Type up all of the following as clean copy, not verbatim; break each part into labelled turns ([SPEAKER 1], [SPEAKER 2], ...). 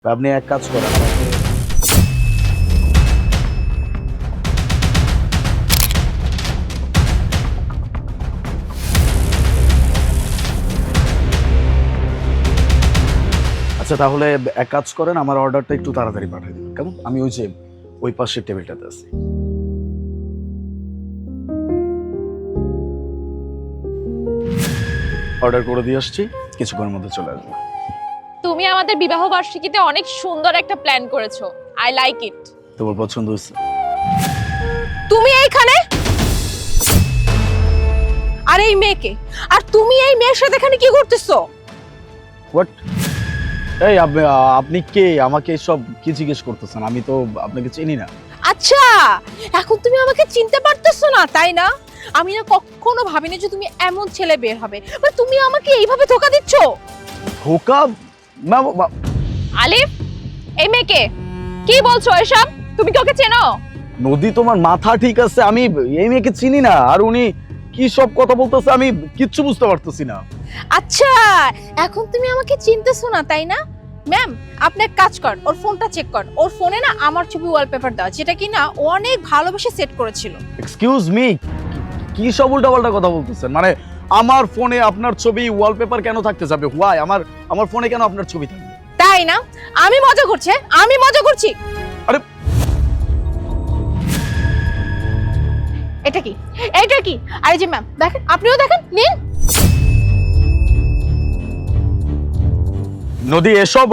[SPEAKER 1] আপনি এক কাজ করেন আমাকে আচ্ছা তাহলে এক কাজ করেন আমার অর্ডারটা একটু তাড়াতাড়ি পাঠিয়ে দিন কেমন আমি ওই যে ওই পাশের টেবিলটাতে আছি অর্ডার করে দিয়ে আসছি কিছুক্ষণের মধ্যে চলে আসবে
[SPEAKER 2] তুমি আমাদের বিবাহ বার্ষিকীতে অনেক সুন্দর একটা প্ল্যান করেছো। I like it.
[SPEAKER 1] তোমার পছন্দ হয়েছে
[SPEAKER 2] তুমি এইখানে আর এই মেয়েকে আর তুমি এই মেয়ের সাথে এখানে কি করতেছো?
[SPEAKER 1] হোয়াট এই আপনি কে আমাকে সব কি জিজ্ঞেস করতেছেন আমি তো আপনাকে চিনি না
[SPEAKER 2] আচ্ছা এখন তুমি আমাকে চিনতে পারতেছো না তাই না? আমি না কখনো ভাবিনি যে তুমি এমন ছেলে বের হবে, বাট তুমি আমাকে এইভাবে ধোকা দিচ্ছ।
[SPEAKER 1] ধোকা
[SPEAKER 2] আলিফ এই মেয়েকে কি বলছো এসব? তুমি কি ওকে চেনো?
[SPEAKER 1] নদী তোমার মাথা ঠিক আছে আমি এই মেয়েকে চিনি না আর উনি কি সব কথা বলতেছে আমি কিচ্ছু বুঝতে পারতেছি না
[SPEAKER 2] আচ্ছা এখন তুমি আমাকে চিনতেছো না তাই না? ম্যাম আপনি এক কাজ কর, ওর ফোনটা চেক কর। ওর ফোনে না আমার ছবি ওয়ালপেপার দেওয়া, যেটা কি না ও অনেক ভালোবেসে সেট করেছিল।
[SPEAKER 1] এক্সকিউজ মি কি সব উল্টাপাল্টা কথা বলতেছেন মানে আমার ফোনে আপনার ছবি ওয়ালপেপার কেন থাকতে যাবে হোয়াই আমার ফোনে কেন আপনার ছবি থাকবে
[SPEAKER 2] তাই না? আমি মজা করছি, আমি মজা করছি।
[SPEAKER 1] আরে
[SPEAKER 2] এটা কি এটা কি? আরে যে ম্যাম দেখেন, আপনিও দেখেন, নিন।
[SPEAKER 1] নদী এসব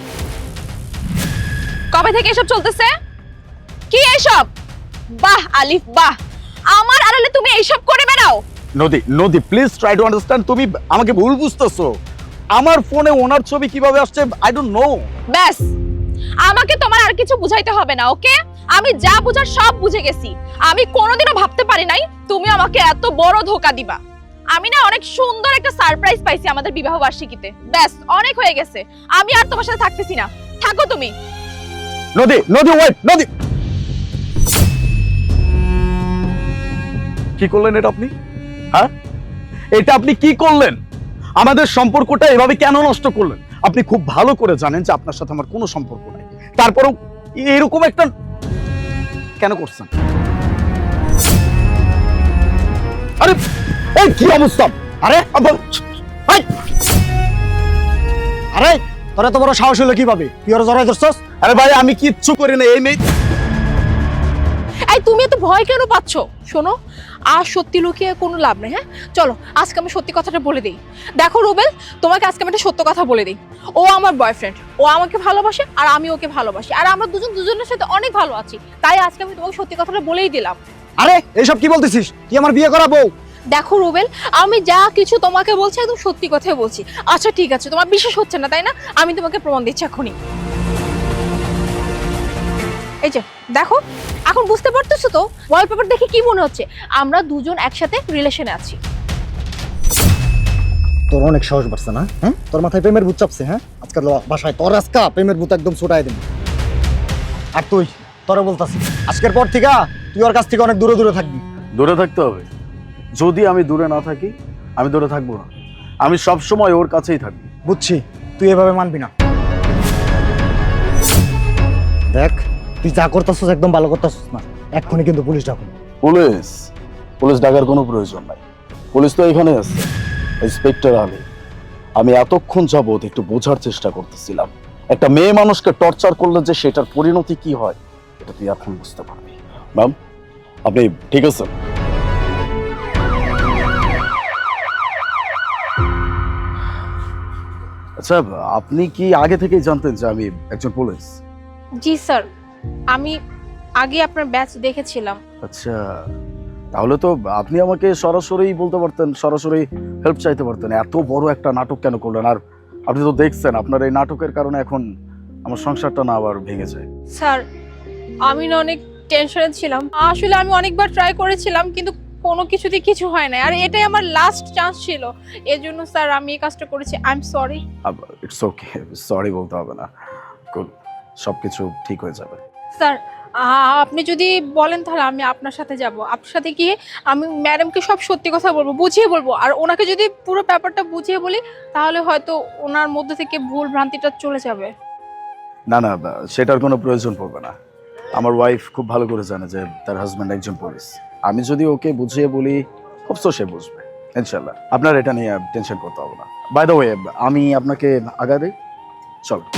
[SPEAKER 2] কবে থেকে এসব চলতেছে? কি এসব? বাহ আলিফ বাহ, আমার আড়ালে তুমি এইসব করে বেড়াও।
[SPEAKER 1] নদী প্লিজ ট্রাই টু আন্ডারস্ট্যান্ড তুমি আমাকে ভুল বুঝতেছো আমার ফোনে ওনার ছবি কিভাবে আসছে আই ডোন্ট নো
[SPEAKER 2] ব্যাস আমাকে তোমার আর কিছু বুঝাইতে হবে না, ওকে? আমি যা বুঝার সব বুঝে গেছি। আমি কোনোদিনও ভাবতে পারি নাই তুমি আমাকে এত বড় ধোকা দিবা। আমি না অনেক সুন্দর একটা সারপ্রাইজ পাইছি আমাদের বিবাহ বার্ষিকীতে। ব্যাস অনেক হয়ে গেছে, আমি আর তোমার সাথে থাকতেছি না, থাকো তুমি।
[SPEAKER 1] নদী ওয়েট নদী কি করলেন এটা আপনি হ্যাঁ এটা আপনি কি করলেন আমাদের সম্পর্কটা এভাবে কেন নষ্ট করলেন আপনি খুব ভালো করে জানেন যে আপনার সাথে আমার কোনো সম্পর্ক নাই তারপরেও এরকম একটা কেন করছেন আরে এই কি অবস্থা
[SPEAKER 3] আরে আরে তোরা তো বড় সাহস হলো কিভাবে তুই ওর জড়াই ধরছস?
[SPEAKER 1] আরে ভাই আমি কিচ্ছু করি না এই মেয়ে
[SPEAKER 2] এই তুমি এত ভয় কেন পাচ্ছ? শোনো আর সত্যি লুকিয়ে কোনো লাভ নেই। হ্যাঁ চলো আজকে আমি সত্যি কথাটা বলে দিই। দেখো রুবেল, তোমাকে আজকে আমি একটা সত্য কথা বলে দিই। ও আমার বয়ফ্রেন্ড, ও আমাকে ভালোবাসে আর আমি ওকে ভালোবাসি, আর আমরা দুজনের সাথে অনেক ভালো আছি। তাই আজকে আমি তোমাকে সত্যি কথাটা বলেই দিলাম।
[SPEAKER 3] আরে এইসব কি বলতেছিস? তুই আমার বিয়ে করা বউ?
[SPEAKER 2] দেখো রুবেল, আমি যা কিছু তোমাকে বলছি একদম সত্যি কথাই বলছি। আচ্ছা ঠিক আছে, তোমার বিশ্বাস হচ্ছে না তাই না? আমি তোমাকে প্রমাণ দিচ্ছি এখনই। এই যে দেখো, এখন বুঝতে পারতেছো তো ওয়ালপেপার দেখে কি মনে হচ্ছে? আমরা দুজন একসাথে রিলেশনে আছি।
[SPEAKER 3] তোর অনেক সাহস বাড়ছে না? হ্যাঁ, তোর মাথায় প্রেমের ভূত চাপছে? হ্যাঁ, আজকাল বাসায় তোর আজকা প্রেমের ভূত একদম ছুটাই দিন। আর তুই তোরে বলতাছিস আজকের পর থেকে তুই ওর কাছ থেকে অনেক দূরে দূরে থাকবি।
[SPEAKER 1] দূরে থাকতে হবে যদি আমি দূরে না থাকি আমি দূরে থাকবো না আমি সব সময় ওর কাছেই থাকবো
[SPEAKER 3] বুঝছি, তুই এভাবে মানবি না। দেখ তুই যা করতেছিস একদম ভালো করতেছিস না, এক্ষুনি কিন্তু পুলিশ ডাকুন।
[SPEAKER 1] পুলিশ ডাকার কোনো প্রয়োজন নাই পুলিশ তো এখানে আছে ইন্সপেক্টর আলী আমি এতক্ষণ যাবত একটু বোঝার চেষ্টা করতেছিলাম একটা মেয়ে মানুষকে টর্চার করলে যে সেটার পরিণতি কি হয় এটা তুই এখন বুঝতে পারবি ম্যাম আপনি ঠিক আছেন আচ্ছা আপনি কি আগে থেকেই জানতেন যে আমি একজন পুলিশ
[SPEAKER 2] জি স্যার, আমি আগে আপনার ব্যাচ দেখেছিলাম।
[SPEAKER 1] আচ্ছা তাহলে তো আপনি আমাকে সরাসরি বলতে পারতেন সরাসরি হেল্প চাইতে পারতেন এত বড় একটা নাটক কেন করলেন আর আপনি তো দেখছেন আপনার এই নাটকের কারণে এখন আমার সংসারটা না আবার ভেঙে যায়
[SPEAKER 2] স্যার আমি না অনেক টেনশনে ছিলাম, আসলে আমি অনেকবার ট্রাই করেছিলাম কিন্তু কোনো কিছুতে কিছু হয় না, আর এটাই আমার লাস্ট চান্স ছিল। এর জন্য স্যার আমি এই কাজটা করেছি। I am sorry.
[SPEAKER 1] It's okay sorry বলতে হবে না সবকিছু ঠিক হয়ে যাবে
[SPEAKER 2] স্যার আপনি যদি বলেন তাহলে আমি আপনার সাথে যাব, আপনার সাথে গিয়ে আমি ম্যাডামকে সব সত্যি কথা বলবো, বুঝিয়ে বলবো, আর ওনাকে যদি পুরো ব্যাপারটা বুঝিয়ে বলি তাহলে হয়তো ওনার মধ্যে থেকে ভুল ভ্রান্তিটা চলে যাবে।
[SPEAKER 1] না না, সেটার কোনো প্রয়োজন পড়বে না। আমার ওয়াইফ খুব ভালো করে জানে যে তার হাজব্যান্ড একজন পুলিশ। আমি যদি ওকে বুঝিয়ে বলি খুব তো সে বুঝবে ইনশাল্লাহ। আপনার এটা নিয়ে টেনশন করতে হবে না। বাই দ্য ওয়ে, আমি আপনাকে আগা দিই, চলো।